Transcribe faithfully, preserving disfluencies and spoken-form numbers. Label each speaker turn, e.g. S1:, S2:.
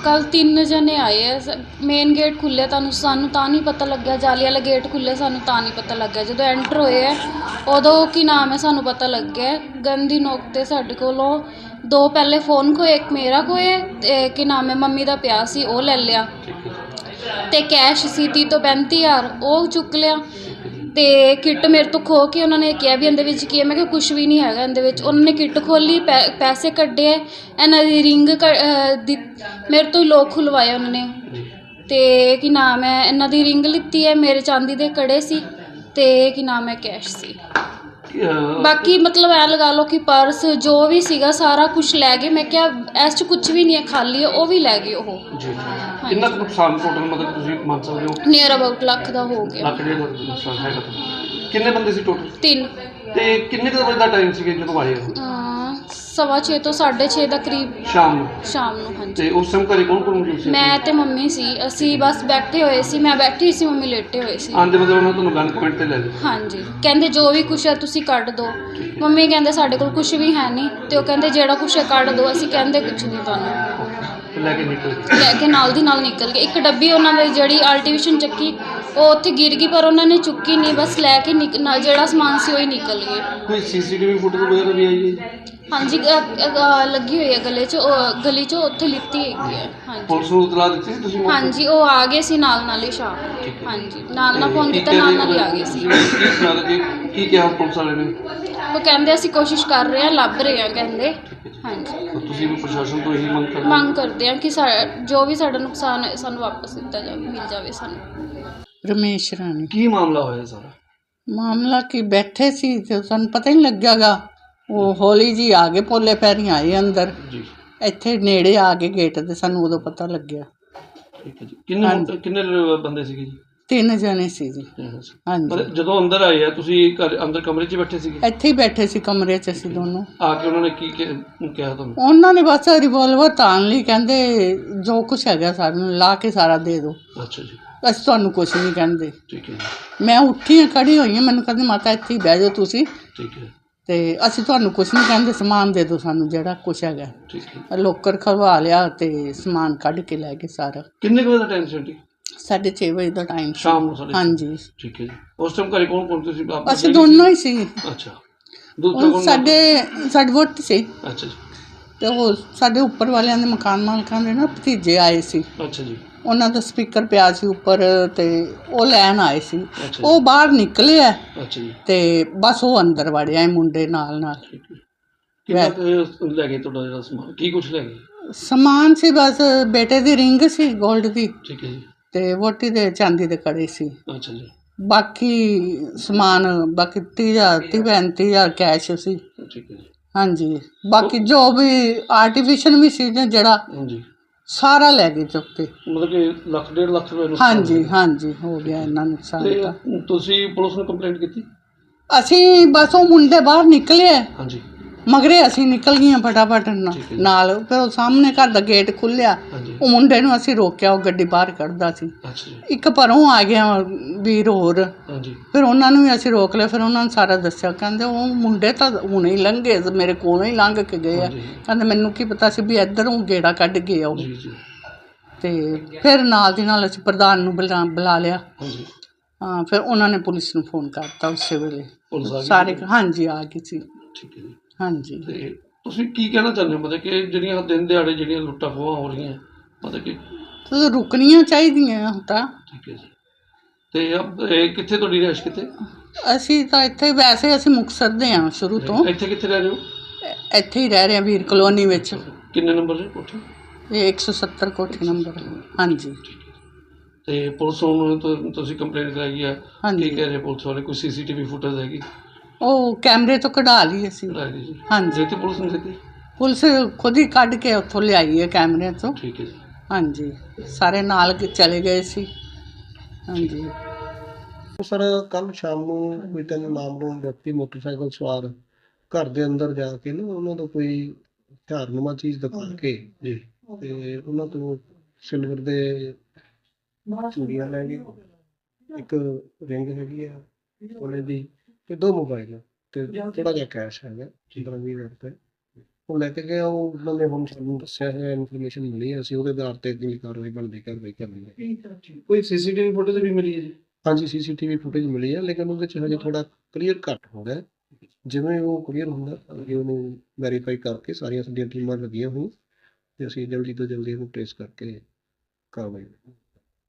S1: ਕੱਲ ਤਿੰਨ ਜਣੇ ਆਏ ਆ। ਮੇਨ ਗੇਟ ਖੁੱਲ੍ਹੇ, ਤੁਹਾਨੂੰ ਸਾਨੂੰ ਤਾਂ ਨਹੀਂ ਪਤਾ ਲੱਗਿਆ। ਜਾਲੀ ਵਾਲਾ ਗੇਟ ਖੁੱਲ੍ਹੇ, ਸਾਨੂੰ ਤਾਂ ਨਹੀਂ ਪਤਾ ਲੱਗਿਆ। ਜਦੋਂ ਐਂਟਰ ਹੋਏ ਹੈ ਉਦੋਂ ਕੀ ਨਾਮ ਹੈ ਸਾਨੂੰ ਪਤਾ ਲੱਗਿਆ। ਗਨ ਦੀ ਨੋਕ 'ਤੇ ਸਾਡੇ ਕੋਲੋਂ ਦੋ ਪਹਿਲੇ ਫ਼ੋਨ ਖੋਏ, ਇੱਕ ਮੇਰਾ ਖੋਏ ਅਤੇ ਕੀ ਨਾਮ ਹੈ ਮੰਮੀ ਦਾ ਪਿਆ ਸੀ, ਉਹ ਲੈ ਲਿਆ। ਅਤੇ ਕੈਸ਼ ਸੀ ਤੀਹ ਤੋਂ ਪੈਂਤੀ ਹਜ਼ਾਰ, ਉਹ ਚੁੱਕ ਲਿਆ। ਅਤੇ ਕਿੱਟ ਮੇਰੇ ਤੋਂ ਖੋਹ ਕੇ ਉਹਨਾਂ ਨੇ ਕਿਹਾ ਵੀ ਇਹਦੇ ਵਿੱਚ ਕੀ ਹੈ। ਮੈਂ ਕਿਹਾ ਕੁਛ ਵੀ ਨਹੀਂ ਹੈਗਾ ਇਹਦੇ ਵਿੱਚ। ਉਹਨਾਂ ਨੇ ਕਿੱਟ ਖੋਲ੍ਹੀ, ਪੈ ਪੈਸੇ ਕੱਢੇ, ਇਹਨਾਂ ਦੀ ਰਿੰਗ ਕ ਦੀ ਮੇਰੇ ਤੋਂ ਹੀ ਲੋਕ ਖੁਲਵਾਏ ਉਹਨਾਂ ਨੇ। ਅਤੇ ਕੀ ਨਾਮ ਹੈ ਇਹਨਾਂ ਦੀ ਰਿੰਗ ਲਿੱਤੀ ਹੈ, ਮੇਰੇ ਚਾਂਦੀ ਦੇ ਕੜੇ ਸੀ ਅਤੇ ਕੀ ਨਾਮ ਹੈ ਕੈਸ਼ ਸੀ। ਬਾਕੀ ਮਤਲਬ ਐਂ ਲਗਾ ਲਓ ਕਿ ਪਰਸ ਜੋ ਵੀ ਸੀਗਾ ਸਾਰਾ ਕੁਛ ਲੈ ਗਏ। ਮੈਂ ਕਿਹਾ ਇਸ 'ਚ ਕੁਛ ਵੀ ਨਹੀਂ ਹੈ, ਖਾਲੀ ਹੈ, ਉਹ ਵੀ ਲੈ ਗਏ ਉਹ।
S2: ਕਿੰਨਾ ਕੁ ਨੁਕਸਾਨ ਟੋਟਲ ਮਤਲਬ ਤੁਸੀਂ ਮੰਨ ਸਕਦੇ ਹੋ?
S1: ਨੀਅਰ ਅਬਾਊਟ ਲੱਖ ਦਾ ਹੋ ਗਿਆ।
S2: ਲੱਖ ਡੇਢ ਲੱਖ ਦਾ ਨੁਕਸਾਨ ਹੈਗਾ। ਕਿੰਨੇ ਬੰਦੇ ਸੀ ਟੋਟਲ?
S1: ਤਿੰਨ।
S2: ਤੇ ਕਿੰਨੇ ਕੁ ਵਜੇ ਦਾ ਟਾਈਮ ਸੀਗਾ ਜਦੋਂ ਆਏ ਹੋ?
S1: ਸਵਾ ਛੇ ਤੋਂ ਸਾਢੇ ਛੇ ਦਾ ਕਰੀਬ
S2: ਸ਼ਾਮ ਨੂੰ?
S1: ਸ਼ਾਮ ਨੂੰ, ਹਾਂਜੀ।
S2: ਤੇ ਉਸ ਟਾਈਮ ਘਰੇ ਕੌਣ ਕੌਣ ਮੌਜੂਦ ਸੀ?
S1: ਮੈਂ ਤੇ ਮੰਮੀ ਸੀ। ਅਸੀਂ ਬਸ ਬੈਠੇ ਹੋਏ ਸੀ, ਮੈਂ ਬੈਠੀ ਸੀ, ਮੰਮੀ ਲੇਟੇ ਹੋਏ ਸੀ।
S2: ਆਂਦੇ ਮਤਲਬ ਉਹਨਾਂ ਤੁਹਾਨੂੰ ਗਨ ਪੁਆਇੰਟ ਤੇ ਲੈ ਲਿਆ?
S1: ਹਾਂਜੀ, ਕਹਿੰਦੇ ਜੋ ਵੀ ਕੁਛ ਹੈ ਤੁਸੀਂ ਕੱਢ ਦਿਓ। ਮੰਮੀ ਕਹਿੰਦੇ ਸਾਡੇ ਕੋਲ ਕੁਛ ਵੀ ਹੈ ਨਹੀਂ, ਅਤੇ ਉਹ ਕਹਿੰਦੇ ਜਿਹੜਾ ਕੁਛ ਹੈ ਕੱਢ ਦਿਓ। ਅਸੀਂ ਕਹਿੰਦੇ ਕੁਛ ਨਹੀਂ ਤੁਹਾਨੂੰ।
S2: ਲੈ ਕੇ ਨਿਕਲ ਗਏ?
S1: ਲੈ ਕੇ ਨਾਲ ਦੀ ਨਾਲ ਨਿਕਲ ਗਏ। ਇੱਕ ਡੱਬੀ ਉਹਨਾਂ ਦੀ ਜਿਹੜੀ ਆਲਟੀਵੇਸ਼ਨ ਚੱਕੀ ਉਹ ਉੱਥੇ ਗਿਰ ਗਈ, ਪਰ ਉਹਨਾਂ ਨੇ ਚੁੱਕੀ ਨਹੀਂ, ਬਸ ਲੈ ਕੇ ਨਿਕ ਜਿਹੜਾ ਸਮਾਨ ਸੀ ਉਹ ਹੀ ਨਿਕਲ ਗਏ।
S2: ਕੋਈ ਸੀਸੀਟੀਵੀ ਫੁਟੇਜ ਵਗੈਰਾ ਵੀ ਆਈ ਹੈ?
S1: ਹਾਂਜੀ, ਲੱਗੀ ਹੋਈ ਹੈ ਗਲੇ 'ਚ, ਉਹ ਗਲੀ 'ਚੋਂ ਉੱਥੇ ਲਿੱਤੀ ਹੈਗੀ ਹੈ। ਹਾਂਜੀ,
S2: ਪੁਲਿਸ ਨੂੰ ਇਤਲਾਹ ਦਿੱਤੀ ਸੀ ਤੁਸੀਂ?
S1: ਹਾਂਜੀ, ਉਹ ਆ ਗਏ ਸੀ ਨਾਲ ਨਾਲ ਹੀ ਸ਼ਾਮ। ਹਾਂਜੀ, ਨਾਲ ਨਾਲ ਫੋਨ ਕੀਤਾ, ਨਾਲ ਨਾਲ ਹੀ ਆ ਗਏ ਸੀ।
S2: ਕੀ ਸੁਣਾ ਕਿ ਕੀ ਕਿਹਾ ਪੁਲਿਸ ਵਾਲੇ ਨੇ?
S1: ਉਹ ਕਹਿੰਦੇ ਅਸੀਂ ਕੋਸ਼ਿਸ਼ ਕਰ ਰਹੇ ਹਾਂ, ਲੱਭ ਰਹੇ ਹਾਂ ਕਹਿੰਦੇ। ਹਾਂਜੀ,
S2: ਤੁਸੀਂ ਵੀ ਪ੍ਰਸ਼ਾਸਨ ਤੋਂ ਇਹੀ ਮੰਗ ਕਰਦੇ?
S1: ਮੰਗ ਕਰਦੇ ਹਾਂ ਕਿ ਸਾ ਜੋ ਵੀ ਸਾਡਾ ਨੁਕਸਾਨ ਹੈ ਸਾਨੂੰ ਵਾਪਸ ਦਿੱਤਾ ਜਾਵੇ, ਮਿਲ ਜਾਵੇ ਸਾਨੂੰ।
S3: ਰਮੇਸ਼ ਰਾਣੀ।
S2: ਕੀ ਮਾਮਲਾ ਹੋਇਆ ਸਾਰਾ?
S3: ਮਾਮਲਾ ਕਿ ਬੈਠੇ ਸੀ ਤੇ ਸਾਨੂੰ ਪਤਾ ਹੀ ਨਹੀਂ ਲੱਗਿਆਗਾ। ਉਹ ਹੌਲੀ ਜੀ ਆ ਗਏ, ਪੋਲੇ ਪੈਰੀਂ ਆਏ ਅੰਦਰ।
S2: ਜੀ।
S3: ਇੱਥੇ ਨੇੜੇ ਆ ਗਏ ਗੇਟ ਤੇ, ਸਾਨੂੰ ਉਦੋਂ ਪਤਾ ਲੱਗਿਆ।
S2: ਠੀਕ ਹੈ ਜੀ। ਕਿੰਨੇ ਕਿੰਨੇ ਬੰਦੇ ਸੀਗੇ ਜੀ?
S3: ਤਿੰਨ ਜਣੇ ਸੀ ਜੀ। ਹਾਂਜੀ।
S2: ਜਦੋਂ ਅੰਦਰ ਆਏ ਆ ਤੁਸੀਂ ਘਰ ਅੰਦਰ ਕਮਰੇ 'ਚ ਬੈਠੇ ਸੀਗੇ?
S3: ਇੱਥੇ ਹੀ ਬੈਠੇ ਸੀ ਕਮਰੇ 'ਚ ਅਸੀਂ ਦੋਨੋਂ।
S2: ਆ ਕੇ ਉਹਨਾਂ ਨੇ ਕੀ ਕਿਹਾ ਤੁਹਾਨੂੰ?
S3: ਉਹਨਾਂ ਨੇ ਬਸ ਰਿਵੋਲਵਰ ਤਾਣ ਲਈ, ਕਹਿੰਦੇ ਜੋ ਕੁਛ ਹੈਗਾ ਸਾਨੂੰ ਲਾ ਕੇ ਸਾਰਾ ਦੇ ਦਿਓ।
S2: ਅੱਛਾ ਜੀ।
S3: ਅਸੀਂ ਤੁਹਾਨੂੰ ਕੁਛ ਨਹੀਂ ਕਹਿੰਦੇ।
S2: ਠੀਕ ਹੈ ਜੀ।
S3: ਮੈਂ ਉੱਠੀ ਹਾਂ, ਖੜੀ ਹੋਈ ਹਾਂ, ਮੈਨੂੰ ਕਹਿੰਦੇ ਮਾਤਾ ਇੱਥੇ ਹੀ ਬਹਿ ਜਾਓ ਤੁਸੀਂ।
S2: ਠੀਕ ਹੈ।
S3: ਅਤੇ ਅਸੀਂ ਤੁਹਾਨੂੰ ਕੁਛ ਨਹੀਂ ਕਹਿੰਦੇ, ਸਮਾਨ ਦੇ ਦਿਓ ਸਾਨੂੰ ਜਿਹੜਾ ਕੁਛ ਹੈਗਾ।
S2: ਠੀਕ ਹੈ।
S3: ਲੋਕਰ ਖਲਵਾ ਲਿਆ ਅਤੇ ਸਮਾਨ ਕੱਢ ਕੇ ਲੈ ਗਏ ਸਾਰਾ।
S2: ਕਿੰਨੇ ਕੁ ਵਜੇ ਦਾ ਟਾਈਮ ਸੀ ਆਂਟੀ?
S3: ਸਾਢੇ ਛੇ ਵਜੇ ਦਾ ਟਾਈਮ ਸੀ।
S2: ਸ਼ਾਮ ਨੂੰ?
S3: ਹਾਂਜੀ।
S2: ਠੀਕ ਹੈ ਜੀ। ਉਸ ਟਾਈਮ ਘਰੇ ਕੌਣ ਕੌਣ ਤੁਸੀਂ?
S3: ਅਸੀਂ ਦੋਨੋਂ ਹੀ ਸੀ।
S2: ਅੱਛਾ।
S3: ਉਹ ਸਾਡੇ ਸਾਡੀ ਵਹੁਟੀ ਸੀ।
S2: ਅੱਛਾ ਜੀ।
S3: ਅਤੇ ਉਹ ਸਾਡੇ ਉੱਪਰ ਵਾਲਿਆਂ ਦੇ ਮਕਾਨ ਮਾਲਕਾਂ ਦੇ ਨਾ ਭਤੀਜੇ ਆਏ ਸੀ।
S2: ਅੱਛਾ ਜੀ।
S3: ਉਹਨਾਂ ਦਾ ਸਪੀਕਰ ਪਿਆ ਸੀ ਉੱਪਰ ਅਤੇ ਉਹ ਲੈਣ ਆਏ ਸੀ। ਉਹ ਬਾਹਰ ਨਿਕਲੇ ਆ।
S2: ਅੱਛਾ ਜੀ।
S3: ਅਤੇ ਬਸ ਉਹ ਅੰਦਰ ਵੜਿਆ ਇਹ ਮੁੰਡੇ ਨਾਲ ਨਾਲ।
S2: ਕਿੰਨਾ ਕੁ ਲੈ ਗਏ ਤੁਹਾਡਾ ਜਿਹੜਾ ਸਮਾਨ? ਕੀ ਕੁਛ ਲੈ ਗਏ?
S3: ਸਮਾਨ ਸੀ ਬਸ ਬੇਟੇ ਦੀ ਰਿੰਗ ਸੀ ਗੋਲਡ ਦੀ,
S2: ਠੀਕ ਹੈ ਜੀ।
S3: ਅਤੇ ਵਹੁਟੀ ਦੇ ਚਾਂਦੀ ਦੇ ਕੜੇ ਸੀ।
S2: ਅੱਛਾ ਜੀ।
S3: ਬਾਕੀ ਸਮਾਨ ਬਾਕੀ ਤੀਹ ਹਜ਼ਾਰ ਤੀਹ ਪੈਂਤੀ ਹਜ਼ਾਰ ਕੈਸ਼ ਸੀ।
S2: ਠੀਕ ਹੈ ਜੀ। ਹਾਂਜੀ।
S3: ਬਾਕੀ ਜੋ ਵੀ ਆਰਟੀਫਿਸ਼ਲ ਵੀ ਸੀ ਨਾ ਜਿਹੜਾ,
S2: ਹਾਂਜੀ,
S3: ਸਾਰਾ ਲੈ ਗਏ ਚੁੱਕ ਕੇ।
S2: ਮਤਲਬ ਕਿ ਲੱਖ ਡੇਢ ਲੱਖ ਰੁਪਏ ਨੂੰ?
S3: ਹਾਂਜੀ ਹਾਂਜੀ, ਹੋ ਗਿਆ ਇੰਨਾ ਨੁਕਸਾਨ ਤਾਂ।
S2: ਤੁਸੀਂ ਪੁਲਿਸ ਨੂੰ ਕੰਪਲੇਂਟ ਕੀਤੀ?
S3: ਅਸੀਂ ਬਸ ਉਹ ਮੁੰਡੇ ਬਾਹਰ ਨਿਕਲੇ
S2: ਹਾਂਜੀ,
S3: ਮਗਰੇ ਅਸੀਂ ਨਿਕਲ ਗਈਆਂ ਫਟਾਫਟ ਨਾਲ। ਫਿਰ ਉਹ ਸਾਹਮਣੇ ਘਰ ਦਾ ਗੇਟ ਖੁੱਲ੍ਹਿਆ, ਉਹ ਮੁੰਡੇ ਨੂੰ ਅਸੀਂ ਰੋਕਿਆ, ਉਹ ਗੱਡੀ ਬਾਹਰ ਕੱਢਦਾ ਸੀ। ਇੱਕ ਪਰੋਂ ਆ ਗਿਆ ਵੀਰ ਹੋਰ, ਫਿਰ ਉਹਨਾਂ ਨੂੰ ਵੀ ਅਸੀਂ ਰੋਕ ਲਿਆ। ਫਿਰ ਉਹਨਾਂ ਨੂੰ ਸਾਰਾ ਦੱਸਿਆ, ਕਹਿੰਦੇ ਉਹ ਮੁੰਡੇ ਤਾਂ ਹੁਣੇ ਹੀ ਲੰਘੇ, ਮੇਰੇ ਕੋਲੋਂ ਹੀ ਲੰਘ ਕੇ ਗਏ ਆ। ਕਹਿੰਦੇ ਮੈਨੂੰ ਕੀ ਪਤਾ ਸੀ ਵੀ ਇੱਧਰੋਂ ਗੇੜਾ ਕੱਢ ਗਏ ਆ ਉਹ। ਅਤੇ ਫਿਰ ਨਾਲ ਦੀ ਨਾਲ ਅਸੀਂ ਪ੍ਰਧਾਨ ਨੂੰ ਬੁਲਾ ਬੁਲਾ ਲਿਆ। ਹਾਂ, ਫਿਰ ਉਹਨਾਂ ਨੇ ਪੁਲਿਸ ਨੂੰ ਫੋਨ ਕਰਤਾ ਉਸੇ ਵੇਲੇ ਸਾਰੇ। ਹਾਂਜੀ, ਆ ਗਈ ਸੀ।
S2: ਠੀਕ ਹੈ ਜੀ।
S3: ਹਾਂਜੀ।
S2: ਤੇ ਤੁਸੀਂ ਕੀ ਕਹਿਣਾ ਚਾਹੁੰਦੇ ਹੋ, ਮਤਲਬ ਕਿ ਜਿਹੜੀਆਂ ਦਿਨ ਦਿਹਾੜੇ ਜਿਹੜੀਆਂ ਲੁੱਟਾਂ ਖੋਹਾਂ ਹੋ ਰਹੀਆਂ, ਮਤਲਬ ਕਿ
S3: ਰੁਕਣੀਆਂ ਚਾਹੀਦੀਆਂ ਹੁਣ ਤਾਂ।
S2: ਠੀਕ ਹੈ ਜੀ। ਤੇ ਕਿੱਥੇ ਤੁਹਾਡੀ ਰਿਹਾਇਸ਼ ਕਿੱਥੇ?
S3: ਅਸੀਂ ਤਾਂ ਇੱਥੇ, ਵੈਸੇ ਅਸੀਂ ਮੁਕਤਸਰ ਦੇ ਹਾਂ ਸ਼ੁਰੂ ਤੋਂ।
S2: ਇੱਥੇ ਕਿੱਥੇ ਰਹਿ ਰਹੇ ਹੋ?
S3: ਇੱਥੇ ਹੀ ਰਹਿ ਰਹੇ ਹਾਂ ਵੀਰ ਕਲੋਨੀ ਵਿੱਚ।
S2: ਕਿੰਨੇ ਨੰਬਰ ਦੀ ਕੋਠੀ?
S3: ਇਹ ਇੱਕ ਸੌ ਸੱਤਰ ਕੋਠੀ ਨੰਬਰ। ਹਾਂਜੀ।
S2: ਤੇ ਪੁਲਿਸ ਨੂੰ ਤੁਸੀਂ ਕੰਪਲੇਂਟ ਕਰਾਈ ਹੈ? ਕੀ ਕਹਿ ਰਹੇ ਪੁਲਿਸ ਵਾਲੇ? ਕੋਈ ਸੀਸੀਟੀਵੀ ਫੁਟੇਜ ਹੈਗੀ?
S3: ਉਹ ਕੈਮਰੇ ਤੋਂ ਕਢਾ ਲਈ ਅਸੀਂ। ਹਾਂਜੀ।
S2: ਤੇ ਪੁਲਿਸ ਨੂੰ ਦਿੱਤੀ?
S3: ਪੁਲਿਸ ਖੁਦ ਹੀ ਕੱਢ ਕੇ ਉੱਥੋਂ ਲਿਆਈ ਹੈ ਕੈਮਰਿਆਂ ਤੋਂ।
S2: ਠੀਕ ਹੈ ਜੀ।
S3: ਹਾਂਜੀ, ਸਾਰੇ ਨਾਲ ਚਲੇ ਗਏ ਸੀ। ਹਾਂਜੀ।
S4: ਸਰ, ਕੱਲ੍ਹ ਸ਼ਾਮ ਨੂੰ ਕੋਈ ਤਿੰਨ ਨਾਮਲੂਮ ਵਿਅਕਤੀ ਮੋਟਰਸਾਈਕਲ ਸਵਾਰ ਘਰ ਦੇ ਅੰਦਰ ਜਾ ਕੇ ਨਾ ਉਹਨਾਂ ਤੋਂ ਕੋਈ ਹਥਿਆਰਨੁਮਾ ਚੀਜ਼ ਦਿਖਾ ਕੇ ਜੀ ਤੇ ਉਹਨਾਂ ਤੋਂ ਸਿਲਵਰ ਦੇ ਚੂੜੀਆਂ ਲੈ ਗਏ, ਇੱਕ ਰਿੰਗ ਹੈਗੀ ਆ ਉਹਨੇ ਦੀ, ਤੇ ਦੋ ਮੋਬਾਈਲ ਤੇ ਥੋੜਾ ਜਿਹਾ ਕੈਸ਼ ਹੈਗਾ ਪੰਦਰਾਂ ਵੀਹ ਹਜ਼ਾਰ ਰੁਪਏ। ਉਹ ਲੈ ਕੇ ਗਿਆ, ਉਹ ਉਹਨਾਂ ਨੇ ਹੁਣ ਸਾਨੂੰ ਦੱਸਿਆ ਹੈ, ਇਨਫੋਰਮੇਸ਼ਨ ਮਿਲੀ ਹੈ, ਅਸੀਂ ਉਹਦੇ ਆਧਾਰ ਤੇ ਅਗਲੀ ਕਾਰਵਾਈ ਬਣਦੀ ਕਾਰਵਾਈ ਕਰਨੀ ਹੈ।
S2: ਕੋਈ ਸੀਸੀਟੀਵੀ ਫੁਟੇਜ ਵੀ ਮਿਲੀ ਹੈ ਜੀ?
S4: ਹਾਂਜੀ, ਸੀਸੀਟੀਵੀ ਫੁਟੇਜ ਮਿਲੀ ਹੈ, ਲੇਕਿਨ ਉਹਦੇ 'ਚ ਹਜੇ ਥੋੜਾ ਕਲੀਅਰ ਘੱਟ ਹੋ ਰਿਹਾ। ਜਿਵੇਂ ਉਹ ਕਲੀਅਰ ਹੁੰਦਾ ਅੱਗੇ ਉਹਨੂੰ ਵੈਰੀਫਾਈ ਕਰਕੇ, ਸਾਰੀਆਂ ਸਾਡੀਆਂ ਟੀਮਾਂ ਲੱਗੀਆਂ ਹੋਈਆਂ ਤੇ ਅਸੀਂ ਜਲਦੀ ਤੋਂ ਜਲਦੀ ਉਹਨੂੰ ਟ੍ਰੇਸ ਕਰਕੇ ਕਾਰਵਾਈ